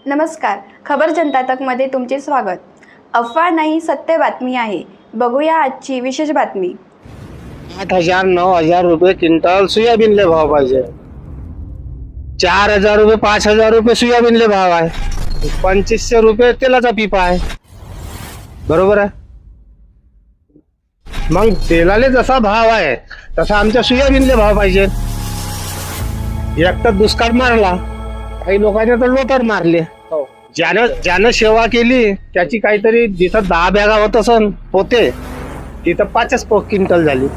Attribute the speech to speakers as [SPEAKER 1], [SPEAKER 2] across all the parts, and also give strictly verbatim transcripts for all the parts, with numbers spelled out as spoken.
[SPEAKER 1] नमस्कार, खबर जनता तकमध्ये तुमचे स्वागत। अफवा नाही, सत्य बातमी आहे। बघूया आजची विशेष बातमी।
[SPEAKER 2] आठ हजार नऊ हजार रुपये क्विंटल सोयाबीनले भाव पाहिजे। चार हजार रुपये पाच हजार रुपये सोयाबीनले भाव आहे। पंचवीसशे रुपये तेलाचा पिपा आहे। बरोबर आहे। मग तेलाले जसा भाव आहे तसा आमच्या सोयाबीनले भाव पाहिजे। एक तर दुष्काळ मारला, काही लोकांनी तर लोटर मारले। ज्यानं ज्यानं सेवा केली त्याची काहीतरी जिथं दहा बॅगा होत असन होते तिथं पाचच क्विंटल झाली।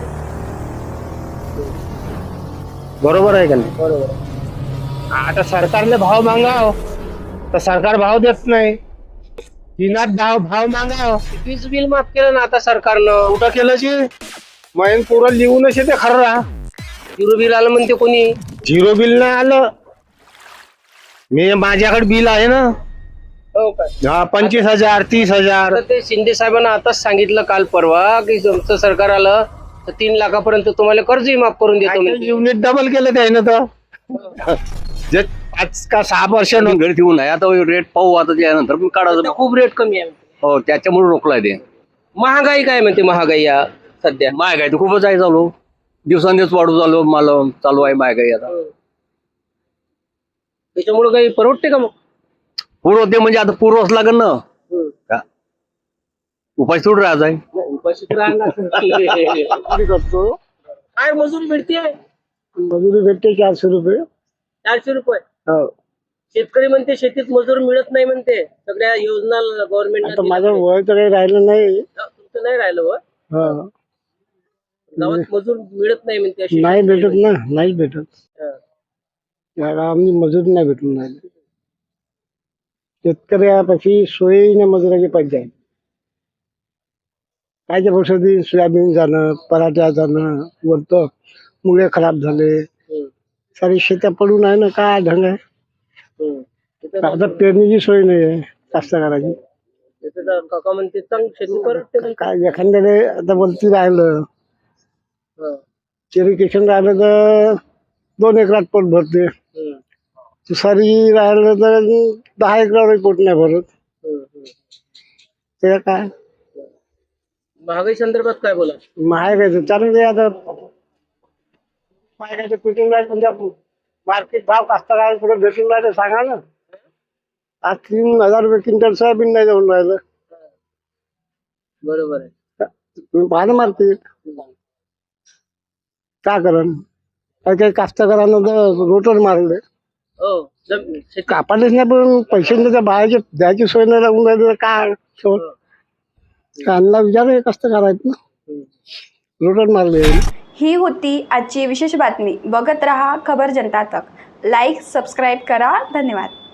[SPEAKER 2] बरोबर आहे का नाही? बरोबर। आता सरकारने भाव मागाव तर सरकार भाव देत नाही। तिनात भाव भाव मागाव, वीज बिल माफ केलं ना आता सरकारनं। कुठं केलं जी मैन पुरं लिहूनच येते खरं। झिरो बिल आलं म्हणते कोणी? झिरो बिल नाही आलं। मी माझ्याकडे बिल आहे ना। हो का? हा, पंचवीस हजार तीस हजार ते शिंदे साहेबांना आताच सांगितलं काल परवा की तुमचं सरकार आलं तर तीन लाखापर्यंत तुम्हाला कर्जही माफ करून देतो। युनिट डबल केलं त्यानं तर जे पाच का सहा वर्ष
[SPEAKER 3] घरी ठेवून आहे। आता रेट पाहू, आता त्यानंतर पण काढायचं।
[SPEAKER 2] खूप रेट कमी आहे।
[SPEAKER 3] हो, त्याच्यामुळे रोखलाय ते।
[SPEAKER 2] महागाई काय म्हणते? महागाई या सध्या
[SPEAKER 3] महागाई तर खूपच आहे चालू, दिवसांदिवस वाढू चालू मला चालू आहे महागाई आता।
[SPEAKER 2] त्याच्यामुळे काही परवडते का? मग
[SPEAKER 3] पूर्व ते म्हणजे आता पूर्वच लागेल ना, उपाय सोड राहायचा आहे।
[SPEAKER 2] उपाशी करतो काय मजुरी भेटते? मजुरी भेटते चारशे रुपये। चारशे रुपये? हो। शेतकरी म्हणते शेतीत मजूर मिळत नाही म्हणते, सगळ्या योजना गव्हर्नमेंट। माझं वय तर काही राहिलं नाही। तुमचं नाही राहिलं वय? गावात मजूर मिळत नाही म्हणते। नाही भेटत ना, नाही भेटत। या गावामध्ये मजूर नाही भेटून राहिले। शेतकऱ्यापाशी सोयीने मजुराची पाहिजे। कायच्या औषधी सोयाबीन जाणं, पराठ्या जाणं, वरत मुळे खराब झाले, सारी शेत्या पडून आहे ना। काय ढंग आहे? आता पेरणीची सोय नाही आहे कास्तकाराची। काका म्हणते शेती करत काय एखाद्याने आता बोलती राहिलं इरिगेशन राहिलं तर दोन एकरात पोट भरते। तुषारी राहिलं तर दहा एकरावर पोट नाही भरत। ते काय महागाई संदर्भात काय बोला? महागाई चालू दे आता। महागाईचं पिटिंग राहील म्हणजे मार्केट भाव कास्तकार पुढे भेटून राहिले सांगा ना। आज तीन हजार रुपये क्विंटल सोयाबीन नाही जाऊन राहिलं। बरोबर आहे। तुम्ही पाहा मार्केट का करण? काही काही कास्तकारांना तर रोटर मारले। कापायलाच नाही, पण पैसे बाहेरचे द्यायची सोय नाही लागून राहिली। काय कांदा विचार कास्तकार आहेत ना, रोटर मारले।
[SPEAKER 1] ही होती आजची विशेष बातमी। बघत रहा खबर जनता तक। लाईक सबस्क्राईब करा। धन्यवाद।